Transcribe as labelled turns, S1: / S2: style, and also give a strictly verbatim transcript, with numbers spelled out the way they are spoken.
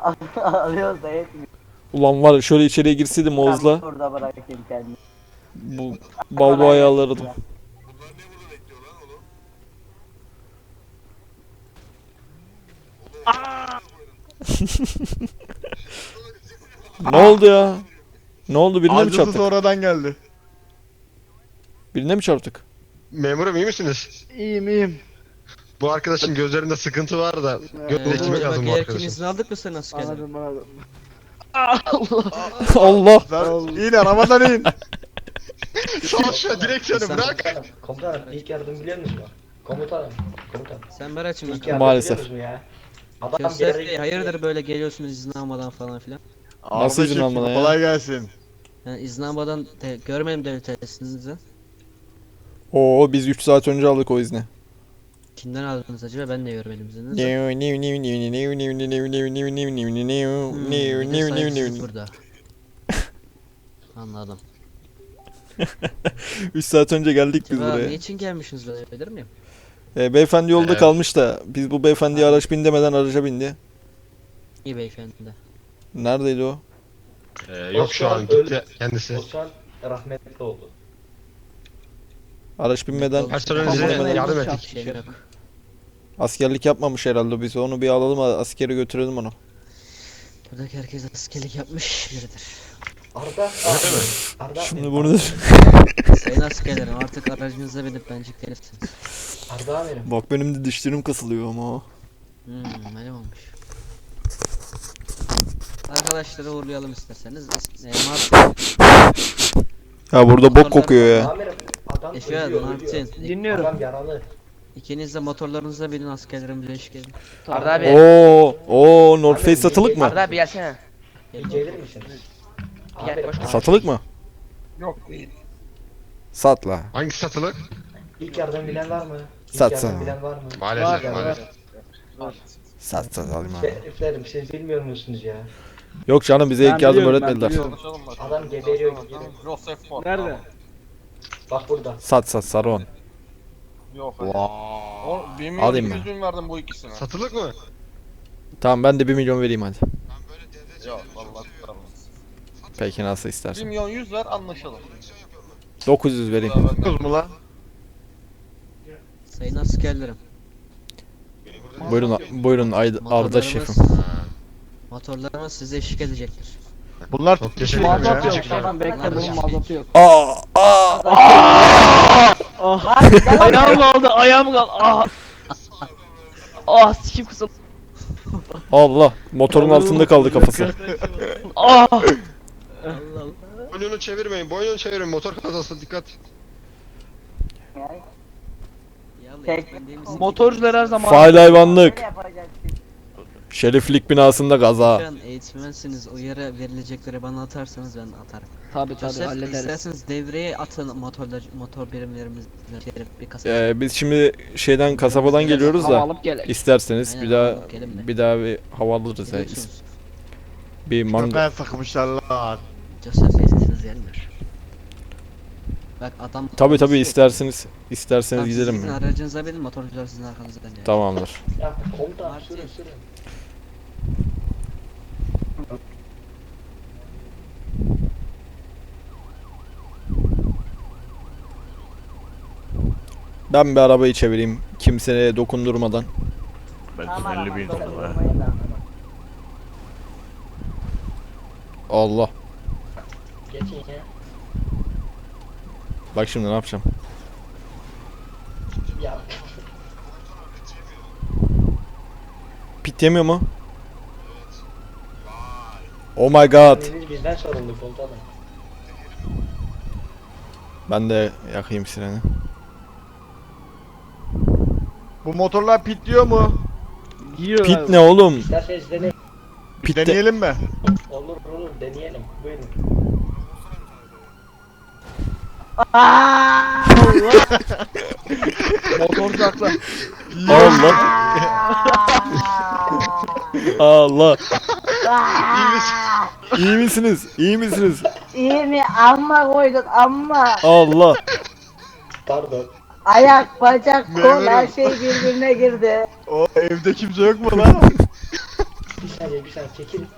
S1: Alıyoruz da yetmiyor.
S2: Ulan var ya, şöyle içeriye girseydim Oğuz'la
S1: Ben orada bırakayım kendimi.
S2: bu balboayı alırdım. Ne oldu ya? Ne oldu, birine mi
S3: Acısı
S2: çarptık?
S3: sonradan geldi.
S2: Birine mi çarptık?
S4: Memurum iyi misiniz?
S3: İyiyim iyiyim.
S4: Bu arkadaşın gözlerinde sıkıntı var da gözüne
S3: Ee,
S4: ekmek lazım bu
S5: Gereken
S4: arkadaşın.
S5: izni aldık mı sen askerden?
S3: Anladım anladım.
S2: Allah!
S3: Sen in arabadan in.
S4: Sağ şu direksiyonu
S5: Sen-
S4: bırak.
S6: Komutanım, komutanım ilk yardım biliyor musunuz? Komutanım, komutanım.
S5: Sen Berat'cığım
S6: İlk
S5: bakalım.
S6: yardım
S2: Maalesef.
S6: biliyor musunuz ya? Adam bir
S5: Köster
S6: yere
S5: Bey hayırdır böyle geliyorsunuz izin almadan falan filan.
S2: Nasıl izin
S3: Araba
S2: almadan
S3: çekti,
S2: ya?
S3: Kolay gelsin.
S5: Yani izin almadan de, görmedim devlet tesisinizi.
S2: Oo, biz üç saat önce aldık o izni.
S5: Kimden aldınız acaba, ben de görmedim izninizi. Hmm, bir de saygısızlık burada. Anladım.
S2: üç saat önce geldik biz
S5: Acaba
S2: buraya.
S5: niçin gelmişsiniz, ben bilir miyim?
S2: Ee, beyefendi yolda
S4: Evet.
S2: kalmış da biz bu beyefendiye araç bin demeden araca bindi.
S5: İyi beyefendi.
S2: Neredeydi o?
S4: Ee, yok şu an gitti kendisi.
S6: O şu an rahmetli oldu.
S2: Araç binmeden
S4: Personelinize
S2: Tamam,
S4: yardım
S5: Bir
S4: ettik.
S5: şey yok.
S2: askerlik yapmamış herhalde, biz onu bir alalım, askere götürelim onu.
S5: Buradaki herkes askerlik yapmış biridir.
S6: Arda, Arda,
S2: Şimdi
S6: Arda,
S2: bunu
S5: Sayın askerlerim, artık aracınıza binip bence gelirsiniz.
S6: Arda amirim.
S2: bak, benim de dişlerim kasılıyor ama.
S5: Hmm, benim olmuş. Arkadaşları uğurlayalım isterseniz. E, Martin,
S2: Ya burada bok kokuyor ya.
S6: Amirim, adam
S5: Efe,
S6: ölüyor,
S5: Martin.
S6: ölüyor.
S1: Dinliyorum.
S6: Adam yaralı.
S5: İkiniz de motorlarınıza binin, askerlerim birleşik edin.
S1: Arda abi.
S2: Oo, oo, North Face satılık mı?
S1: Arda abi gelsene.
S6: Bir gelir misiniz?
S1: Gel,
S6: Amirim,
S1: koş.
S2: Satılık mı?
S3: Yok değil.
S2: Sat la.
S4: Hangisi satılık?
S6: İlk yardım bilen var mı? İlk
S2: Sat,
S6: yardım
S2: sat.
S6: bilen var mı?
S4: Maalesef
S6: Var,
S4: maalesef.
S2: Sat sat alayım abi.
S6: Şeriflerim siz bilmiyor musunuz ya?
S2: Yok canım, bize ilk yardım öğretmediler.
S6: Adam geberiyor gidiyor.
S7: Nerede?
S6: Bak burada.
S2: Sat sat Saron.
S7: Yok hadi. O, bir milyon
S2: Alayım
S7: iki
S2: ben.
S7: yüz bin verdim bu ikisine.
S4: Satılık mı?
S2: Tamam, ben de bir milyon vereyim hadi.
S7: Yok vallahi tutarım.
S2: Peki, nasıl
S7: bir
S2: istersen.
S7: milyon yüz ver anlaşalım.
S2: dokuz yüz vereyim.
S7: Daha ben de-
S3: Kız mı lan?
S5: Sayın askerlerim.
S2: Buyurun buyurun Ay- Arda
S5: Motorlarımız,
S2: şefim.
S5: motorlarımız size eşlik edecektir.
S3: Bunlar
S4: Çok
S3: tutmuş
S4: teşekkür
S3: mu
S4: ederim.
S3: ya?
S4: Teşekkür ederim.
S1: Tamam bekle, bunun mazotu yok.
S2: Aa, aa.
S1: Ayağım kaldı, ayağım kaldı. Ah. Ah, sikim kısım.
S2: Allah, motorun altında kaldı kafası.
S1: Ah.
S5: Allah Allah.
S4: Boynunu çevirmeyin, boynunu çevirmeyin. Motor kazası dikkat.
S5: Yallah,
S1: Tek-
S5: ben değil misin?
S1: Motorcular her zaman.
S2: Faal hayvanlık. Şeriflik binasında kaza.
S5: Şu an eğitmensiniz, uyarı verilecekleri bana atarsanız ben atarım.
S1: Tabi tabi
S5: Joseph,
S1: hallederiz.
S5: isterseniz devreye atın motorlar, motor birimlerimizi bir kasa.
S2: Ee, biz şimdi şeyden, kasabadan geliyoruz
S1: Hava
S2: da
S1: alıp gelelim.
S2: isterseniz
S5: Aynen,
S2: bir daha
S5: alalım, gelin de.
S2: bir daha bir hava alırız ya.
S5: Biliyorsunuz,
S2: Bir mango.
S3: Ben sıkmışlar lan.
S5: Joseph Bey'siniz gelmiyor. Bak adam...
S2: Tabi tabi isterseniz isterseniz
S5: Tamam, siz
S2: gidelim
S5: sizin
S2: mi?
S5: aracınıza binin, motorcular sizin arkanızdan gelir.
S2: Tamamdır.
S6: Ya komutan
S5: Martin.
S6: sürün sürün.
S2: Ben bir arabayı çevireyim kimseye dokundurmadan.
S3: Ben elli bin dolar.
S2: Allah.
S6: Geçin ya.
S2: Bak şimdi ne yapacağım.
S6: Ya
S2: Pit yemiyor mu? Oh my god.
S6: biz bizden sorumlu komutanım.
S2: Ben de yakayım sireni.
S3: Bu motorlar pitliyor mu?
S1: Yiyor
S2: Pit
S1: abi.
S2: ne oğlum?
S6: İsterseniz deneyin.
S2: Pit de...
S3: Deneyelim mi?
S6: Olur olur deneyelim. Buyurun.
S1: Motorcu haklı.
S2: Allah. Allah. İyi misiniz? İyi misiniz?
S8: İyi mi? Amma koyduk amma.
S2: Allah.
S6: Pardon.
S8: Ayak, bacak, kol
S3: Memurum.
S8: her şey birbirine girdi.
S3: O evde kimse yok mu lan?
S6: saniye bir saniye çekil.